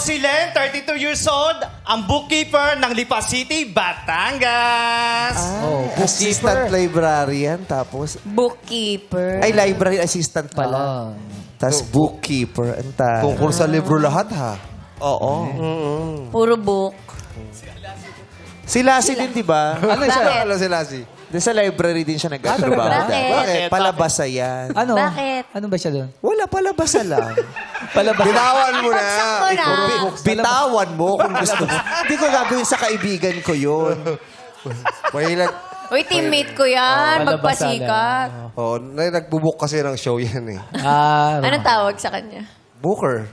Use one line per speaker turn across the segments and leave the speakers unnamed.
si Len, 32 years old, ang bookkeeper ng Lipa City, Batangas.
Assistant librarian, tapos...
Bookkeeper.
Ay, library assistant pala. Tapos bookkeeper. Anta.
Tungkol sa libro lahat, ha?
Oo.
Puro book.
Si Lassie din, di ba?
Ano siya?
Bakit?
Ano si Lassie?
Doon sa library din siya nag-atrabaho.
Bakit?
Bakit? Palabasa yan.
Ano?
Bakit?
Ano ba siya doon?
Wala, palabasa lang.
Palabas.
Bitawan mo na.
Bagsak mo na.
Bitawan mo kung gusto mo. Hindi ko gagawin sa kaibigan ko yun.
Mahilag.
Uy, teammate ko yan.
Palabasa
Magpasikat.
Oh, nagbubuk kasi ng show yan eh.
Anong tawag sa kanya?
Booker.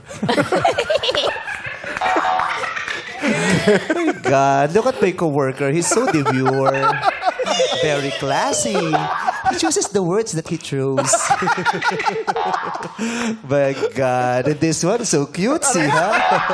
God, look at my coworker. He's so demure. Very classy. He chooses the words that he chose. My God. And this one, so cutesy, ha?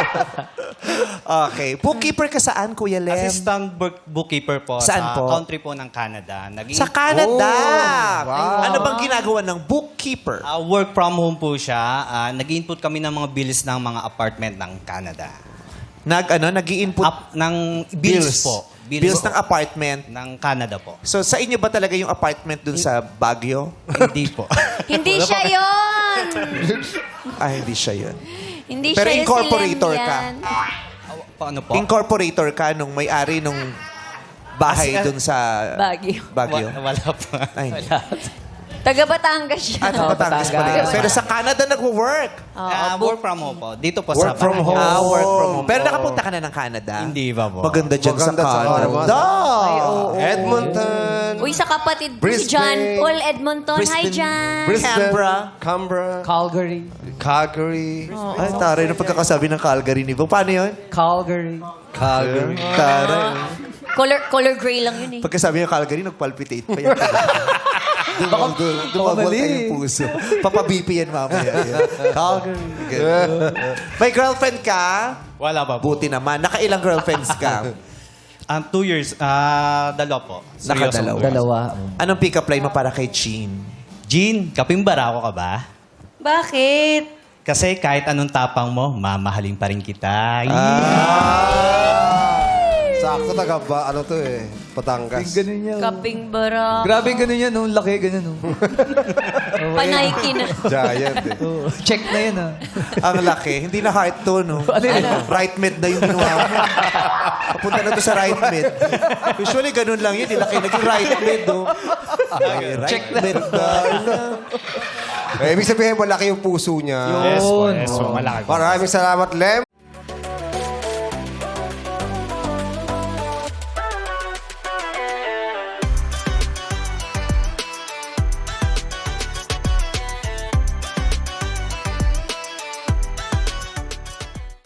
Okay. Bookkeeper ka saan, Kuya Lem?
Assistant bookkeeper po
Saan
sa
po?
country po ng Canada.
Sa Canada.
wow.
Ano bang ginagawa ng bookkeeper?
Work from home po siya. Nag-input kami ng mga bills ng mga apartment ng Canada.
Nag-i-input
Ng bills po.
Bills ng apartment.
ng Canada po.
So, sa inyo ba talaga yung apartment dun sa Baguio?
Hindi po.
Hindi siya yon.
Hindi siya yun.
Hindi
Pero
siya yung
incorporator
si Len
ka.
yan.
Paano po?
Incorporator ka nung may-ari nung bahay dun sa
Baguio.
Baguio.
Wala po.
Ay,
Taga Batangas siya.
Batangas pala yun. Pero sa Canada nag-work.
Work from home po. Dito po sa
Work from home.
Batangas.
Work from home. Pero nakapunta ka na ng Canada?
Hindi ba po?
Maganda dyan sa
Maganda sa
Canada.
Edmonton.
Uy, sa kapatid ko si
Brisbane.
John Paul Edmonton. Hi,
Brisbane.
John.
Canberra.
Canberra.
Calgary.
Calgary.
Ay, taray na pagkakasabi ng Calgary ni Bong. Paano yun?
Calgary.
Calgary.
Taray.
Color gray lang yun eh.
Pagkasabi ng Calgary, nagpalpitate pa yan. Dumabot
mali.
ka yung puso. Papabipi yan mamaya. Calgary. May girlfriend ka?
Wala ba po?
Buti naman. Nakailang girlfriends ka?
2 years. Dalawa po.
Nakadalawa.
Dalawa.
Anong pick-up line mo para kay Chin?
Jean, kapimbara ko ka ba?
Bakit?
Kasi kahit anong tapang mo, mamahalin pa rin kita.
Sakto taga ba? Ano to eh? Patangas.
Ganun niya.
Kaping bara.
Grabe ganun yan. Nung laki, ganun.
Panayki na.
Giant eh.
Check na yan, ah.
Ang laki. Hindi na heart to, no? Right mid na yung ginawa mo. Papunta na to sa right mid. Usually, ganun lang yun. Ilaki naging right mid, no? Check mid na.
Ibig sabihin, malaki yung puso niya.
Yes po, yes po. Malaki po.
Maraming salamat, Lem.